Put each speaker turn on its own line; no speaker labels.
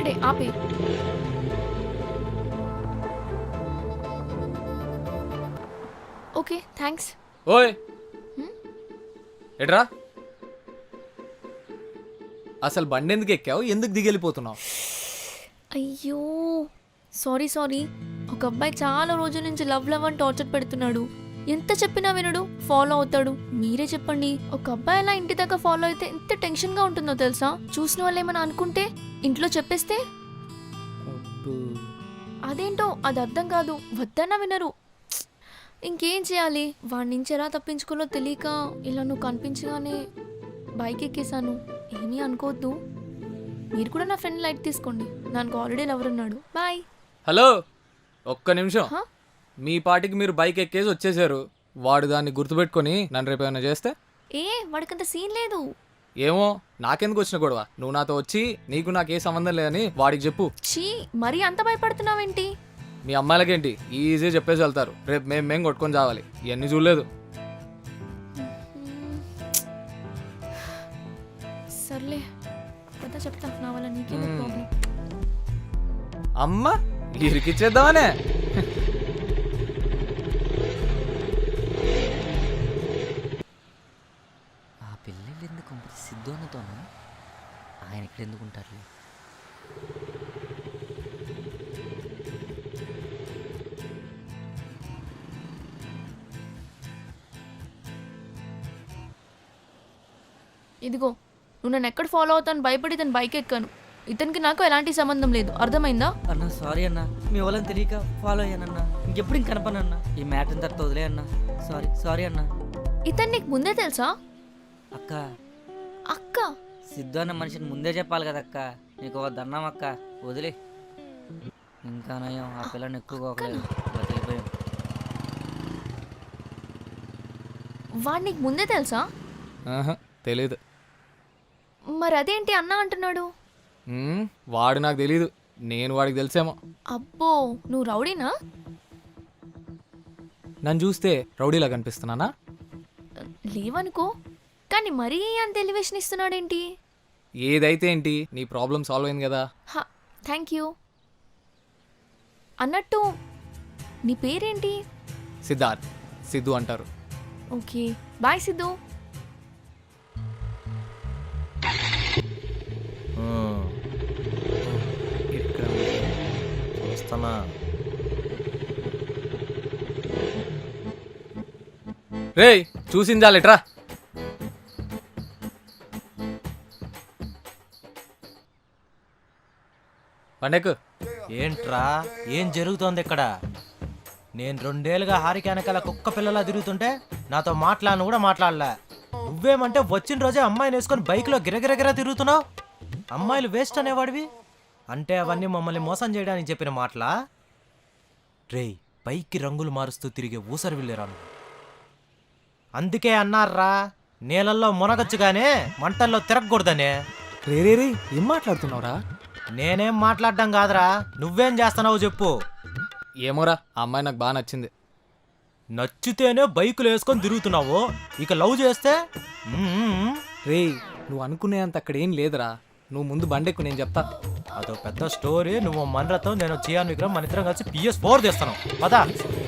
అక్కడే ఆపే. Okay thanks.
ఓయ్ ఎట్రా అసలు బండి ఎందుకు ఎక్కావు, ఎందుకు దిగెళ్ళిపోతున్నావు?
అయ్యో సారీ. ఒక అబ్బాయి చాలా రోజుల నుంచి లవ్ అని టార్చర్ పెడుతున్నాడు. ఎంత చెప్పినా వినడు, ఫాలో అవుతాడు. మీరే చెప్పండి, ఒక అబ్బాయి అలా ఇంటి దాకా ఫాలో అయితే ఎంత టెన్షన్ గా ఉంటుందో తెలుసా? చూసిన వాళ్ళు ఏమైనా అనుకుంటే, ఇంట్లో చెప్పేస్తే అదేంటో అది అర్థం కాదు. వద్దన్నా వినరు. ఇంకేం చేయాలి? వాడి నుంచి ఎలా తప్పించుకోలో తెలియక ఇలా నువ్వు కనిపించగానే బైక్ ఎక్కేసాను. ఏమీ అనుకోవద్దు. మీరు కూడా నా ఫ్రెండ్ లైట్ తీసుకోండి. నాకు ఆల్రెడీ లవర్ ఉన్నాడు. బాయ్.
హలో ఒక్క నిమిషం. మీ పాటికి మీరు బైక్ ఎక్కేసి వచ్చేసారు. వాడు దాన్ని గుర్తుపెట్టుకొని నన్ను రేపు ఏమైనా చేస్తే?
వాడికంత సీన్ లేదు.
ఏమో, నాకెందుకు వచ్చిన గొడవ? నువ్వు నాతో వచ్చి నీకు నాకే సంబంధం లేదని వాడికి చెప్పు.
చీ, మరీ అంత భయపడుతున్నావేంటి?
మీ అమ్మాయిలకేంటి ఈజీ చెప్పేసి వెళ్తారు. రేపు మేము కొట్టుకొని చావాలి. ఇవన్నీ చూడలేదు.
సర్లే కదా, చెప్తా. నా వల్ల నీకేం ప్రాబ్లం?
అమ్మ ఇరికిచ్చేద్దామనే.
ఆ పిల్లలు ఎందుకు సిద్ధోన్నతోనా? ఆయన ఇక్కడ ఎందుకు ఉంటారు?
ఇదిగో, నువ్వు నన్ను ఎక్కడ ఫాలో అవుతాను భయపడి తను బైక్ ఎక్కాను. ఇతనికి నాకు ఎలాంటి సంబంధం లేదు, అర్థమైందా?
అన్నా సారీ అన్నా, మీ వాళ్ళని తెలియక ఫాలో అయ్యానన్నా. ఇంకెప్పుడు ఇంక కనపనన్నా. ఈ మ్యాటర్ తర్వాత వదిలే అన్నా. సారీ అన్నా.
ఇతను నీకు ముందే తెలుసా?
అక్క సిద్ధు అన్న మనిషిని ముందే చెప్పాలి కదా అక్క. నీకు వద్దన్నాం అక్క, వదిలే. ఇంకా నయం ఆ పిల్లని ఎక్కువగా బతికిపోయాం.
వాడు నీకు ముందే తెలుసా?
తెలీదు.
మరి అదేంటి అన్నా అంటున్నాడు?
వాడు నాకు తెలీదు, నేను వాడికి తెలిసేమో.
అబ్బో, నువ్వు రౌడీనా?
నన్ను చూస్తే రౌడీలా కనిపిస్తున్నానా?
లేవనుకో, కానీ మరీ అంత ఎలివేషన్ ఇస్తున్నాడేంటి?
ఏదైతే ఏంటి, నీ ప్రాబ్లం సాల్వ్ అయింది కదా.
Thank you. అన్నట్టు నీ పేరేంటి?
సిద్ధార్థ్. సిద్ధు అంటారు.
Okay, bye Siddhu.
రేయ్ చూసిందా లెట్రా? పండెక్కు.
ఏంట్రా, ఏం జరుగుతోంది ఇక్కడ? నేను 2 ఏళ్ళుగా హారిక వెనకాల కుక్క పిల్లలా తిరుగుతుంటే నాతో మాట్లాడను కూడా మాట్లాడలే. నువ్వేమంటే వచ్చిన రోజే అమ్మాయిని వేసుకొని బైక్లో గిరగిరగిరా తిరుగుతున్నావు. అమ్మాయిలు వేస్ట్ అనేవాడివి అంటే అవన్నీ మమ్మల్ని మోసం చేయడానికి చెప్పిన మాటలా? రేయ్, పైకి రంగులు మారుస్తూ తిరిగే ఊసరి వెళ్ళిరాను. అందుకే అన్నారా, నీళ్ళల్లో మునగచ్చుగానే మంటల్లో తిరగకూడదనే.
రే ఏం మాట్లాడుతున్నావురా?
నేనేం మాట్లాడడం కాదురా, నువ్వేం చేస్తున్నావు చెప్పు.
ఏమోరా, ఆ అమ్మాయి నాకు బాగా నచ్చింది.
నచ్చితేనే బైకులు వేసుకొని తిరుగుతున్నావు, ఇక లవ్ చేస్తే?
రేయ్, నువ్వు అనుకునేంత అక్కడ ఏం లేదురా. నువ్వు ముందు బండెక్కు, నేను చెప్తా.
అదో పెద్ద స్టోరీ. నువ్వు మన్రతో, నేను చియాన్ విక్రమ్, మన ఇద్దరం కలిసి PS4 తీస్తాను. పదా.